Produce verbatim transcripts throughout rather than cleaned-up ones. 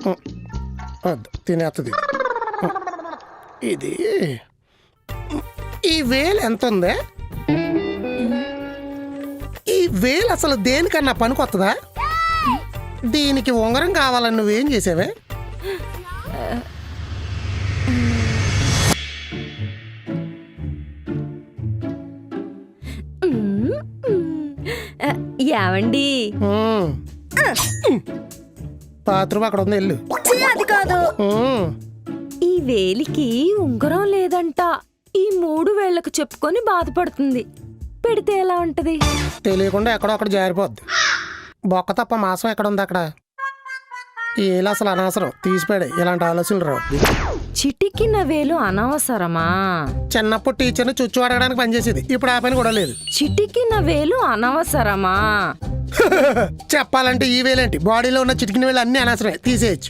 వద్దు తినేస్తుంది. ఇది ఈ వేలు ఎంత ఉంది? ఈ వేలు అసలు దేనికన్నా పనికొత్తదా? దీనికి ఉంగరం కావాలని నువ్వేం చేసావే? యావండి బాత్రూమ్ అక్కడ ఉంది, వెళ్ళు. అది కాదు, ఈ వేలికి ఉంగరం లేదంట. ఈ మూడు వేళ్లకు చెప్పుకొని బాధపడుతుంది. పెడితే ఎలా ఉంటది? తెలియకుండా ఎక్కడో అక్కడ జారిపోద్ది. బొక్క తప్ప మాసం ఎక్కడ ఉంది అక్కడ? ఏలు అసలు అనవసరం, తీసిపోయాడు. ఇలాంటి ఆలోచనలు రావు. చిటికిన వేలు అనవసరమా? చిన్నప్పుడు టీచర్ని చుచ్చు అడగడానికి పనిచేసేది, ఇప్పుడు ఆ పని కూడా లేదు. చిటికిన వేలు అనవసరమా? చెప్పాలంటే ఈ వేలేంటి, బాడీలో ఉన్న చిటికిన వేలు అన్ని అనవసరమే, తీసేయచ్చు.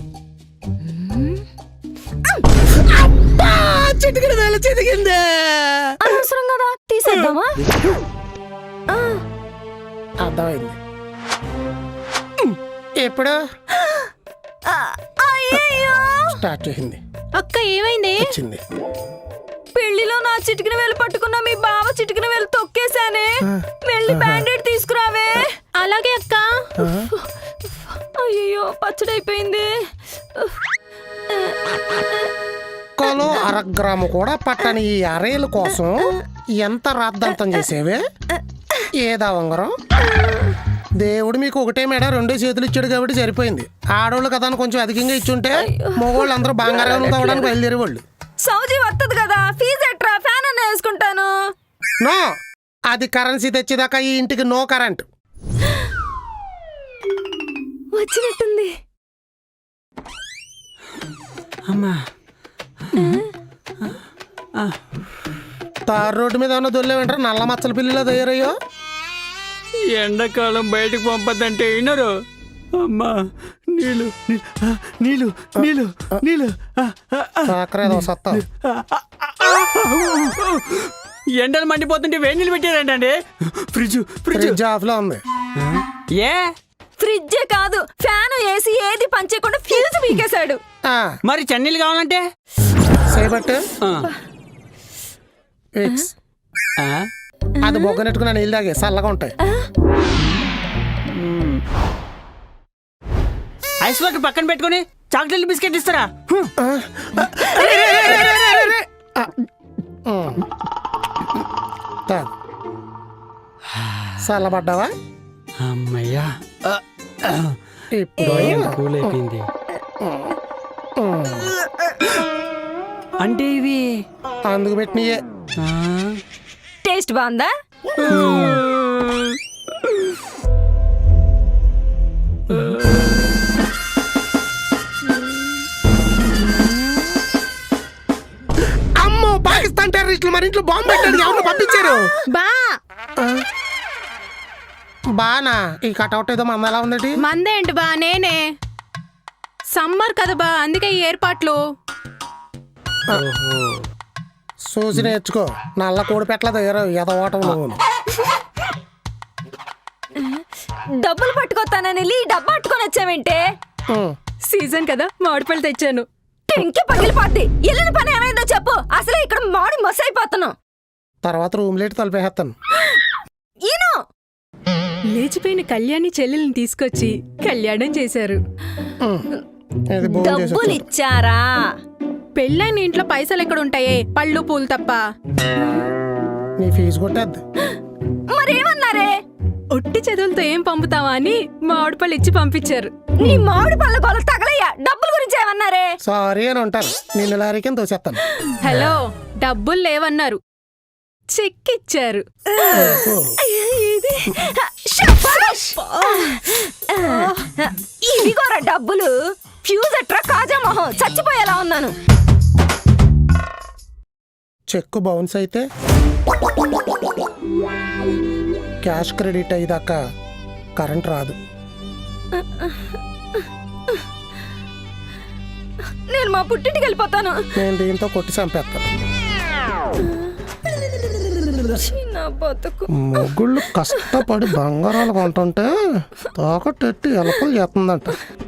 చిటికిన వేలు చితికిందే, అనవసరం కదా, తీసేద్దామా? అర్థమైంది. ఎప్పుడు స్టార్ట్ చేసింది? అక్క ఏమైంది? వచ్చింది. పెళ్లిలో నా చిటికిన వేలు పట్టుకున్నా మీ బావ చిటికిన వేలు తొక్కేశానే. వెళ్ళి బ్యాండేడ్ తీసుకురావే. అలాగే అక్క. అయ్యో పచ్చడైపోయింది. కలో అరగ్రాము కూడా పట్టని ఈ అరేల కోసం ఎంత రాద్దంతం చేసేవే? ఏదా ఉంగరం? దేవుడు మీకు ఒకటే మేడ రెండో చేతులు ఇచ్చాడు కాబట్టి సరిపోయింది. ఆడవాళ్ళు కదా అని కొంచెం అధికంగా ఇచ్చుంటే మగవాళ్ళు అందరూ బంగారం తవ్వడానికి బయలుదేరే వాళ్ళు. సౌజీ వస్తుంది కదా, ఫీజు ఎట్రా, ఫ్యాన్ అన్న వేసుకుంటాను. నో, అది కరెన్సీ తెచ్చేదాకా ఈ ఇంటికి నో కరెంట్. వచ్చినట్టుంది. అమ్మా, తారు రోడ్డు మీద ఉన్న దొల్లే వెంటారు నల్ల మచ్చల పిల్లిలో తయారయ్యో. ఎండాకాలం బయటకు పంపద్దంటే వినరు. అమ్మా, నీళ్ళు నీళ్ళు నీళ్ళు నీళ్ళు సత్తా. ఎండలు మండిపోతుంటే వేడి నీళ్ళు పెట్టారంటండి. ఫ్రిడ్జ్ ఫ్రిడ్జ్ ఆఫ్ లో ఉంది. ఏ ఫ్రిడ్జే కాదు, ఫ్యాన్ ఏసీ ఏది పనిచేయకుండా ఫ్యూజ్ పీకేశాడు. మరి చన్నీళ్ళు కావాలంటే సేపట్టు అది బొగ్గనెట్టుకున్న నీళ్ళు తాగే చల్లగా ఉంటాయి. ఐస్ వాటర్ పక్కన పెట్టుకుని చాక్లెట్ బిస్కెట్ ఇస్తారా? చల్లబడ్డావా? అమ్మయ్యా, ఇప్పుడు కూల్ అయిపోయింది. అంటే ఇవి అందుకు పెట్టినయే. టేస్ట్ బాగుందా? అమ్మో, పాకిస్తాన్ టెర్రరిస్టులు మరి ఇంట్లో బాంబు పెట్టాడు. ఎవరు పంపించారు? బా బానా ఈ కటౌట్ ఏదో మంద ఎలా ఉందటి? మందేంటి బా, నేనే. సమ్మర్ కదా బా, అందుకే ఈ ఏర్పాట్లు. చూసి నేర్చుకో, నల్ల కోడి పెట్టలేదు ఎదవటం నువ్వు. డబ్బులు పట్టుకొస్తానని వెళ్ళి డబ్బు పట్టుకొని వచ్చావేంటే? సీజన్ కదా, మామిడిపళ్ళు తెచ్చాను. టెంకి పగిలిపోద్ది. వెళ్ళిన పని ఏమైందో చెప్పు. అసలే ఇక్కడ మాడి మస్ అయిపోతున్నావు. తర్వాత రూమ్ లేట్ తలిపేస్తాను. ఈను లేచిపోయిన కళ్యాణి చెల్లెల్ని తీసుకొచ్చి కళ్యాణం చేశారు. డబ్బులు ఇచ్చారా? పెళ్ళైన ఇంట్లో పైసలు ఎక్కడ ఉంటాయే, పళ్ళు పూలు తప్ప. నీ ఫీజు కొట్టేద్ది. మరేమన్నారే? ఒట్టి చదువులతో ఏం పంపుతావా అని మామిడి పళ్ళు ఇచ్చి పంపించారు. నీ మామిడి పళ్ళ గోల తగలయ్యా. డబ్బుల గురించి ఏమన్నారే? సారీ అని ఉంటాను. నిన్ను లారీకి తోసేస్తాను. హలో, డబ్బులు లేవన్నారు, చెక్ ఇచ్చారు. ఇదిగోరా డబ్బులు. ఫ్యూజ్ అట్రా కాజా మొహం, చచ్చిపోయేలా ఉన్నాను. చెక్ బౌన్స్ అయితే క్యాష్ క్రెడిట్ అయ్యేదాకా కరెంట్ రాదు. నేను మా పుట్టింటికి వెళ్ళిపోతాను. నేను దీంతో కొట్టి చంపేస్తాను. మొగుళ్ళు కష్టపడి బంగారాలు కొంటుంటే తాకట్టెట్టి ఎలకలు చేస్తుందంట.